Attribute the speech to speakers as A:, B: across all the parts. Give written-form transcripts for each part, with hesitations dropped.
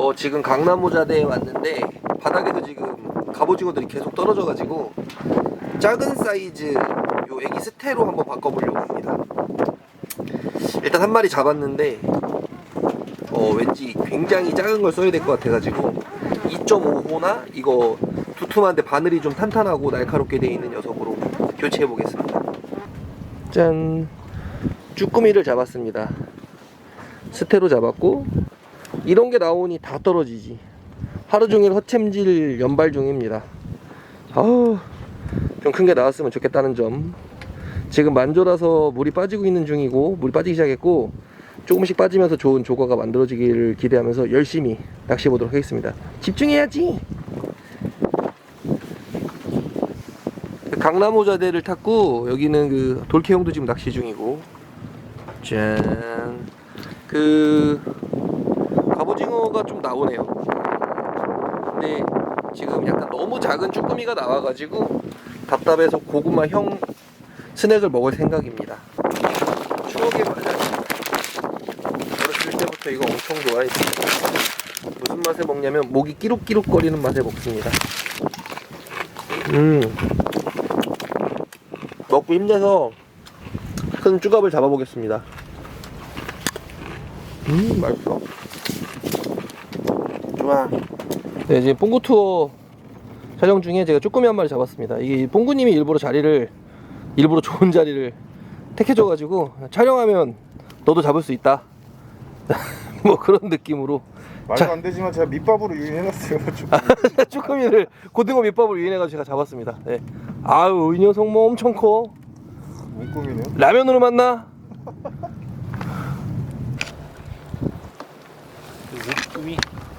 A: 지금 강남모자대에 왔는데 바닥에서 지금 갑오징어들이 계속 떨어져가지고 작은 사이즈 요 애기 스테로 한번 바꿔보려고 합니다. 일단 한 마리 잡았는데 왠지 굉장히 작은 걸 써야 될 것 같아가지고 2.5호나 이거 두툼한데 바늘이 좀 탄탄하고 날카롭게 되어 있는 녀석으로 교체해 보겠습니다. 짠! 쭈꾸미를 잡았습니다. 스테로 잡았고 이런 게 나오니 다 떨어지지. 하루 종일 허챔질 연발 중입니다. 아우, 좀 큰 게 나왔으면 좋겠다는 점. 지금 만조라서 물이 빠지고 있는 중이고, 물이 빠지기 시작했고 조금씩 빠지면서 좋은 조과가 만들어지기를 기대하면서 열심히 낚시해 보도록 하겠습니다. 집중해야지. 강남호자대를 탔고 여기는 그 돌케형도 지금 낚시 중이고, 짠. 갑오징어가 좀 나오네요. 근데 지금 약간 너무 작은 쭈꾸미가 나와가지고 답답해서 고구마형 스낵을 먹을 생각입니다. 추억의 맛이야. 어렸을 때부터 이거 엄청 좋아했어요. 무슨 맛에 먹냐면 목이 끼룩끼룩 거리는 맛에 먹습니다. 먹고 힘내서 큰 쭈갑을 잡아보겠습니다. 맛있어. 좋아. 네, 지금 뽕구 투어 촬영 중에 제가 쭈꾸미 한 마리 잡았습니다. 이게 뽕구님이 일부러 좋은 자리를 택해줘가지고 촬영하면 너도 잡을 수 있다. 뭐 그런 느낌으로.
B: 말도 안 되지만 제가 밑밥으로 유인해놨어요.
A: 쭈꾸미를 고등어 밑밥으로 유인해가지고 제가 잡았습니다. 네. 아유, 이 녀석 뭐 엄청 커.
B: 문꿈이네요.
A: 라면으로 만나?
C: 쭈꾸미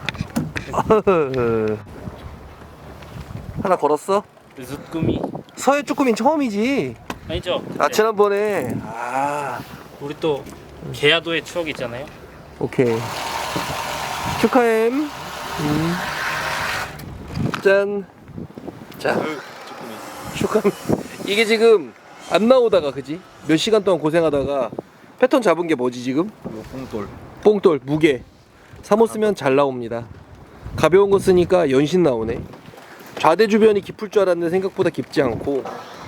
A: 하나 걸었어?
C: 쭈꾸미
A: 서해 쭈꾸미는 처음이지.
C: 아니죠?
A: 지난번에
C: 우리 또 계야도의 추억이 있잖아요.
A: 오케이. 축하햄. 짠. 자, 축하햄. 이게 지금 안 나오다가, 그지? 몇 시간 동안 고생하다가 패턴 잡은 게 뭐지 지금? 뽕돌 무게. 사모 쓰면 잘 나옵니다. 가벼운 거 쓰니까 연신 나오네. 좌대 주변이 깊을 줄 알았는데 생각보다 깊지 않고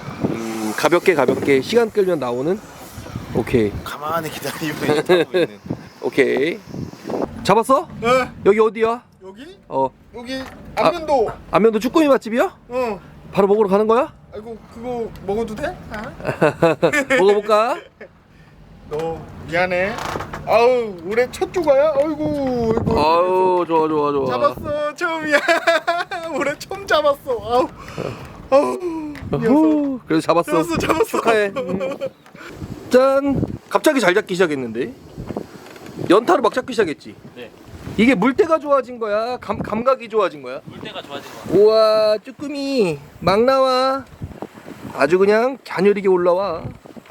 A: 가볍게 시간 끌면 나오는. 오케이.
B: 가만히 기다리면 타고 있는.
A: 오케이. 잡았어?
B: 네.
A: 여기 어디야?
B: 여기?
A: 어.
B: 여기 안면도.
A: 안면도 쭈꾸미 맛집이야?
B: 어.
A: 바로 먹으러 가는 거야?
B: 아이고 그거 먹어도 돼?
A: 먹어볼까?
B: 너 미안해. 아우 올해 첫 조가야? 아이고.
A: 아우, 좋아.
B: 잡았어 처음이야. 올해 처음 잡았어. 아우. 녀석.
A: 그래서 잡았어.
B: 잡았어.
A: 축하해. 짠. 갑자기 잘 잡기 시작했는데. 연타로 막 잡기 시작했지.
C: 네.
A: 이게 물때가 좋아진 거야? 감각이 좋아진 거야?
C: 물때가 좋아진 거 같아요.
A: 우와, 쭈꾸미 막 나와. 아주 그냥 갸녀리게 올라와.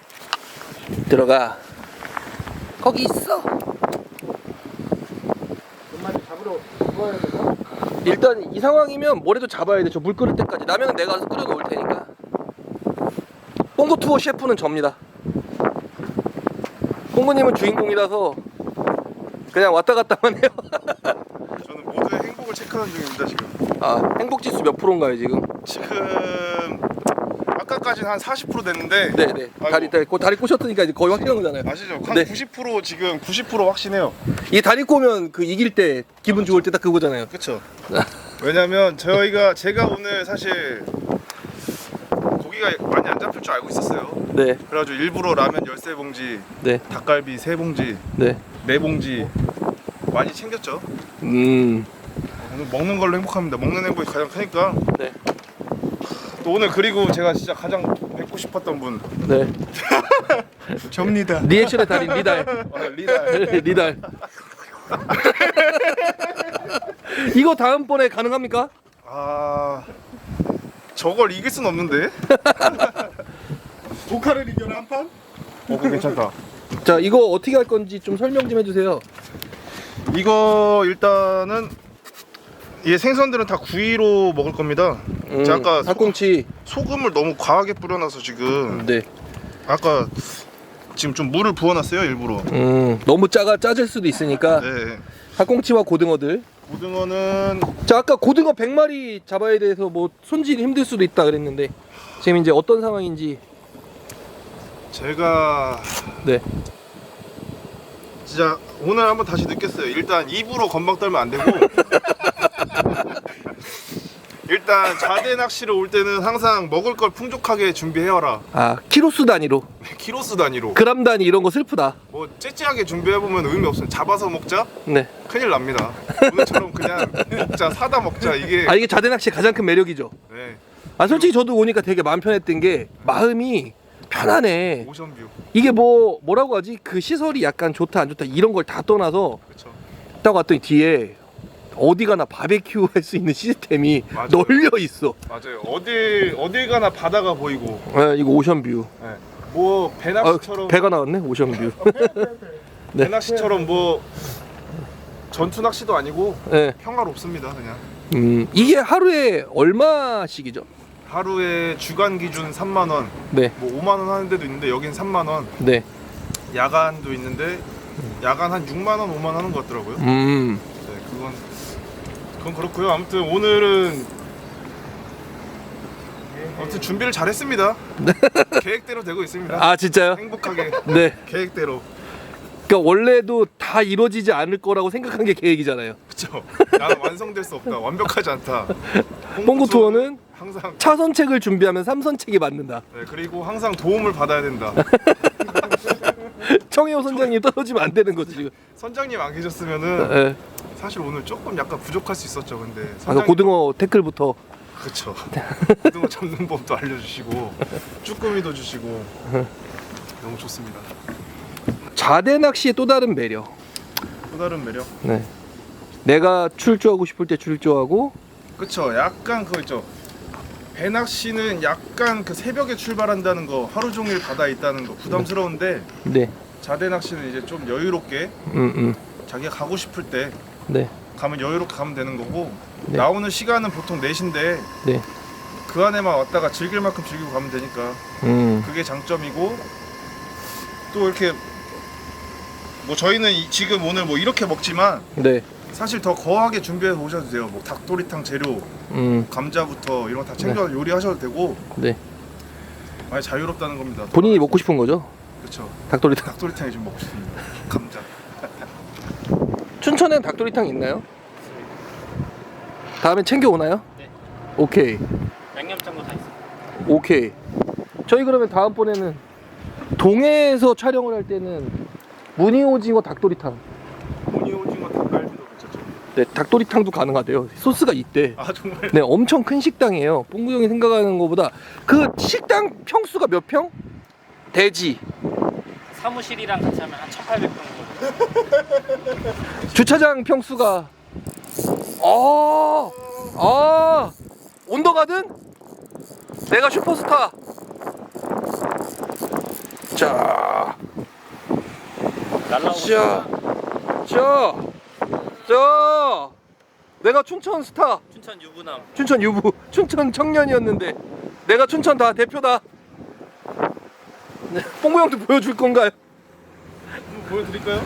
A: 들어가. 거기 있어.
B: 엄마한테 잡으러 들어와야 되나?
A: 일단 이 상황이면 뭐래도 잡아야 돼. 저 물 끓을 때까지. 라면은 내가 가서 끓여 놓을 테니까. 뽕구 투어 셰프는 접니다. 뽕구님은 주인공이라서 그냥 왔다 갔다만 해요.
B: 저는 모두의 행복을 체크하는 중입니다 지금.
A: 행복지수 몇 프로인가요 지금?
B: 지금 아까까지는 한 40% 됐는데.
A: 네네. 다리 꼬셨으니까 이제 거의 확실한 거잖아요.
B: 아시죠? 한
A: 네.
B: 90% 지금 90% 확신해요.
A: 이 다리 꼬면 그 이길 때 기분 좋을 때 딱 그거잖아요.
B: 그쵸? 왜냐면 제가 오늘 사실 고기가 많이 안 잡힐 줄 알고 있었어요.
A: 네.
B: 그래가지고 일부러 라면 13봉지,
A: 네.
B: 닭갈비 3봉지,
A: 네.
B: 4봉지 많이 챙겼죠.
A: 음.
B: 오늘 먹는 걸로 행복합니다. 먹는 행복이 가장 크니까.
A: 네.
B: 또 오늘 그리고 제가 진짜 가장 뵙고 싶었던 분
A: 네.
B: 접니다.
A: 리액션의 달인 리달.
B: 리달.
A: 리달. 이거 다음번에 가능합니까?
B: 저걸 이길 순 없는데. 조카를 이겨라 한 판? 그거 괜찮다.
A: 자, 이거 어떻게 할 건지 좀 설명 좀 해주세요.
B: 이거 일단은 이 생선들은 다 구이로 먹을 겁니다. 제가 아까
A: 닭꽁치.
B: 소금을 너무 과하게 뿌려놔서 지금
A: 네.
B: 아까 지금 좀 물을 부어놨어요 일부러.
A: 너무 짜질 수도 있으니까.
B: 네.
A: 학꽁치와 고등어들.
B: 고등어는
A: 자, 아까 고등어 100마리 잡아야 돼서 뭐 손질이 힘들 수도 있다 그랬는데 지금 이제 어떤 상황인지.
B: 제가
A: 네.
B: 진짜 오늘 한번 다시 느꼈어요. 일단 입으로 건방 떨면 안 되고 일단 자대 낚시를 올 때는 항상 먹을 걸 풍족하게 준비해와라.
A: 아, 키로수 단위로,
B: 키로수 단위로.
A: 그람 단위 이런 거 슬프다.
B: 뭐 째째하게 준비해보면 의미 없어요. 잡아서 먹자?
A: 네.
B: 큰일 납니다. 오늘처럼 그냥 먹자, 사다 먹자 이게.
A: 아, 이게 자대 낚시의 가장 큰 매력이죠.
B: 네.
A: 아, 솔직히 저도 오니까 되게 마음 편했던 게 마음이 편하네.
B: 오션뷰.
A: 이게 뭐라고 하지? 그 시설이 약간 좋다 안 좋다 이런 걸 다 떠나서
B: 그렇죠.
A: 딱 왔더니 뒤에 어디 가나 바베큐 할 수 있는 시스템이
B: 맞아요.
A: 널려 있어.
B: 맞아요. 어딜 가나 바다가 보이고.
A: 아, 이거 오션뷰.
B: 네. 뭐
A: 아,
B: 배낚시처럼
A: 배가 나왔네. 오션뷰. 네.
B: 배낚시처럼 뭐 전투 낚시도 아니고
A: 네.
B: 평화롭습니다. 그냥
A: 이게 하루에 얼마씩이죠?
B: 하루에 주간 기준 3만 원,
A: 네.
B: 뭐 5만 원 하는 데도 있는데 여긴 3만 원.
A: 네.
B: 야간도 있는데 야간 한 6만 원, 5만 원 하는 것 같더라고요.
A: 음.
B: 네, 그건 그렇고요. 아무튼 오늘은 준비를 잘했습니다. 계획대로 되고 있습니다.
A: 아, 진짜요?
B: 행복하게
A: 네.
B: 계획대로.
A: 그러니까 원래도 다 이루어지지 않을 거라고 생각한 게 계획이잖아요.
B: 그렇죠. 나는 완성될 수 없다. 완벽하지 않다.
A: 뽕구 투어는
B: 항상
A: 차선책을 준비하면 3선책이 맞는다.
B: 네, 그리고 항상 도움을 받아야 된다.
A: 청해호 선장님 떨어지면 안 되는 거지 지금.
B: 선장님 안 계셨으면은
A: 네.
B: 사실 오늘 조금 약간 부족할 수 있었죠. 근데
A: 아까
B: 선장님
A: 고등어 태클부터.
B: 그렇죠. 고등어 잡는 법도 알려주시고 쭈꾸미도 주시고 너무 좋습니다.
A: 자대 낚시의 또 다른 매력.
B: 또 다른 매력.
A: 네. 내가 출조하고 싶을 때 출조하고.
B: 그쵸. 약간 그거 있죠. 배낚시는 약간 그 새벽에 출발한다는 거, 하루 종일 바다에 있다는 거 부담스러운데
A: 네.
B: 자대 낚시는 이제 좀 여유롭게 자기가 가고 싶을 때
A: 네.
B: 가면 여유롭게 가면 되는 거고
A: 네.
B: 나오는 시간은 보통 4시인데
A: 네.
B: 그 안에만 왔다가 즐길 만큼 즐기고 가면 되니까 그게 장점이고 또 이렇게 뭐 저희는 지금 오늘 뭐 이렇게 먹지만
A: 네.
B: 사실 더 거하게 준비해서 오셔도 돼요. 뭐 닭도리탕 재료, 감자부터 이런 거 다 챙겨서 요리하셔도 되고
A: 네.
B: 많이 자유롭다는 겁니다.
A: 본인이 먹고 싶은 거죠?
B: 그렇죠.
A: 닭도리탕.
B: 닭도리탕이 좀 먹고 싶습니다. 감자.
A: 춘천엔 닭도리탕 있나요? 다음에 챙겨 오나요?
C: 네.
A: 오케이.
C: 양념장도 다 있어요.
A: 오케이. 저희 그러면 다음번에는 동해에서 촬영을 할 때는 무늬오징어 닭도리탕.
B: 무늬 오징어 닭갈비도 괜찮죠.
A: 네, 닭도리탕도 가능하대요. 소스가 있대.
B: 아 정말.
A: 네, 엄청 큰 식당이에요. 뽕구 형이 생각하는 것보다. 그 식당 평수가 몇 평? 대지.
C: 사무실이랑 같이 하면 한 1,800평 정도.
A: 주차장 평수가 온더가든? 내가 슈퍼스타. 자,
C: 날라오고
A: 자, 내가 춘천 스타,
C: 춘천 유부남.
A: 춘천 유부, 춘천 청년이었는데 내가 춘천 다 대표다. 네, 뽕구 형도 보여줄 건가요?
B: 한번 보여드릴까요?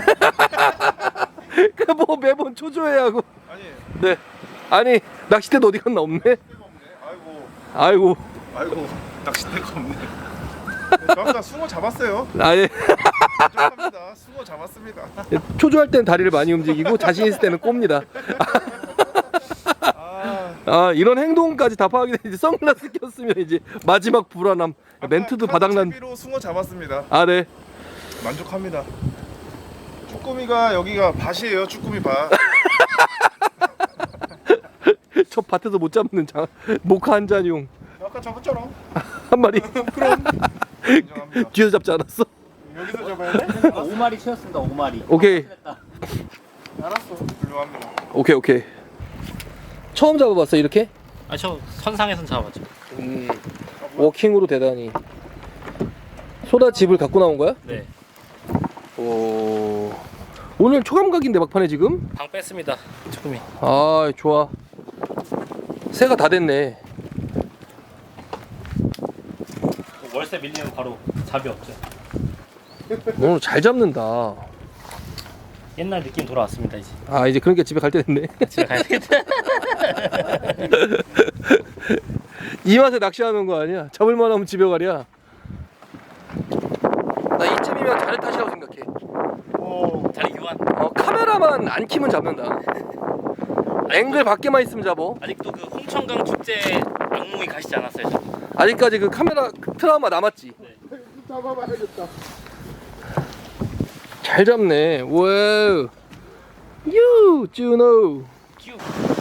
A: 그 뭐 매번 초조해하고.
B: 아니.
A: 네, 아니 낚싯대도 어디 갔나 없네.
B: 낚싯대가 없네.
A: 아이고,
B: 낚싯대가 없네. 저 아까 숭어 잡았어요.
A: 아예
B: 인정합니다. 숭어 잡았습니다.
A: 초조할 땐 다리를 많이 움직이고 자신 있을 때는 꼽니다. 아, 이런 행동까지 다 파악이 되는지 선글라스 꼈으면 이제 마지막 불안함. 멘트도 바닥난.
B: 채비로 숭어 잡았습니다.
A: 아, 네.
B: 만족합니다. 쭈꾸미가 여기가 밭이에요. 쭈꾸미 밭.
A: 저 밭에서 못 잡는 모카 한 잔용
B: 아까 잡았잖아.
A: 한 마리.
B: 그럼 인정합니다.
A: 뒤에서 잡지 않았어?
B: 여기서 잡아야 돼?
C: 5마리 채웠습니다. 5마리.
A: 오케이.
B: 알았어. 훌륭합니다.
A: 오케이. 처음 잡아봤어 이렇게?
C: 아, 저 선상에선 잡았죠.
A: 워킹으로 대단히. 소다집을 갖고 나온 거야?
C: 네.
A: 오. 오늘 초감각인데 막판에 지금?
C: 방 뺐습니다. 조금이.
A: 아, 좋아. 새가 다 됐네.
C: 월세 밀리면 바로 잡이 없죠.
A: 오늘 잘 잡는다.
C: 옛날 느낌 돌아왔습니다 이제.
A: 아 이제 그러니까 집에 갈 때 됐네.
C: 집에 가야 되겠다.
A: 이 맛에 낚시하는 거 아니야? 잡을만 하면 집에 가랴. 나 이쯤이면 자리 탓이라고 생각해.
C: 자리 교환.
A: 카메라만 안 키면 잡는다. 앵글 밖에만 있으면 잡어.
C: 아직도 그 홍천강 축제 악몽이 가시지 않았어요. 저도.
A: 아직까지 그 카메라 트라우마 남았지.
C: 네.
B: 잡아봐야겠다.
A: 잘 잡네. 와우. 유 준호.
C: 큐.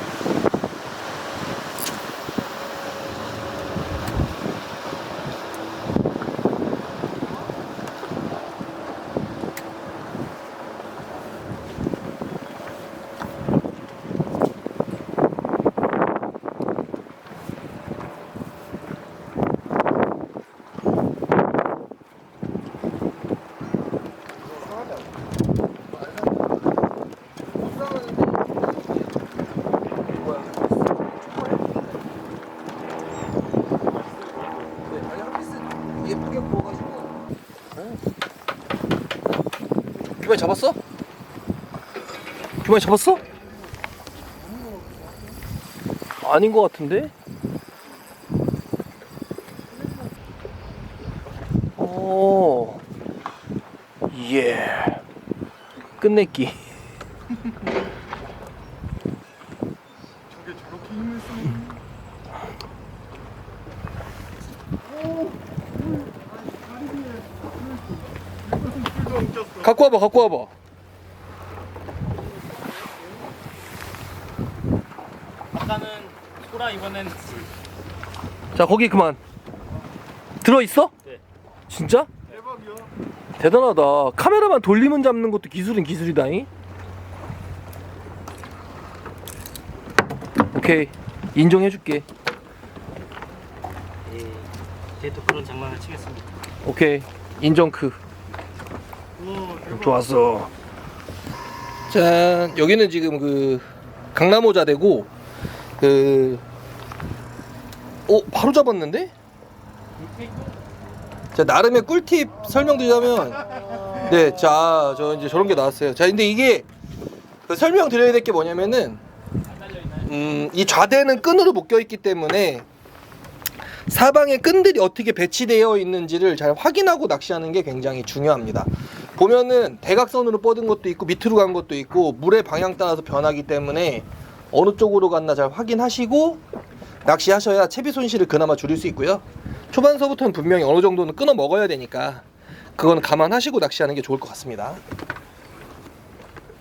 A: 예쁘게 구워가지고. 규만이 잡았어? 규만이 잡았어? 아닌 것 같은데? 오, 예, 끝내기.
B: 저게 저렇게 힘을 쓰는.
A: 갖고 와봐, 갖고 와봐.
C: 아까는 소라 이번엔
A: 자, 거기 그만. 들어 있어?
C: 네.
A: 진짜?
B: 대박이야.
A: 대단하다. 카메라만 돌리면 잡는 것도 기술은 기술이다잉. 오케이, 인정해줄게.
C: 예. 이제 또 그런 장난을 치겠습니다.
A: 오케이, 인정크. 좋았어. 짠, 여기는 지금 그 강남오자대고 바로 잡았는데? 자, 나름의 꿀팁 설명드리자면, 네, 자, 저 이제 저런 게 나왔어요. 자, 근데 이게 그 설명드려야 될 게 뭐냐면은, 이 좌대는 끈으로 묶여 있기 때문에 사방에 끈들이 어떻게 배치되어 있는지를 잘 확인하고 낚시하는 게 굉장히 중요합니다. 보면은 대각선으로 뻗은 것도 있고 밑으로 간 것도 있고 물의 방향 따라서 변하기 때문에 어느 쪽으로 갔나 잘 확인하시고 낚시하셔야 채비 손실을 그나마 줄일 수 있고요. 초반서부터는 분명히 어느 정도는 끊어 먹어야 되니까 그건 감안하시고 낚시하는 게 좋을 것 같습니다.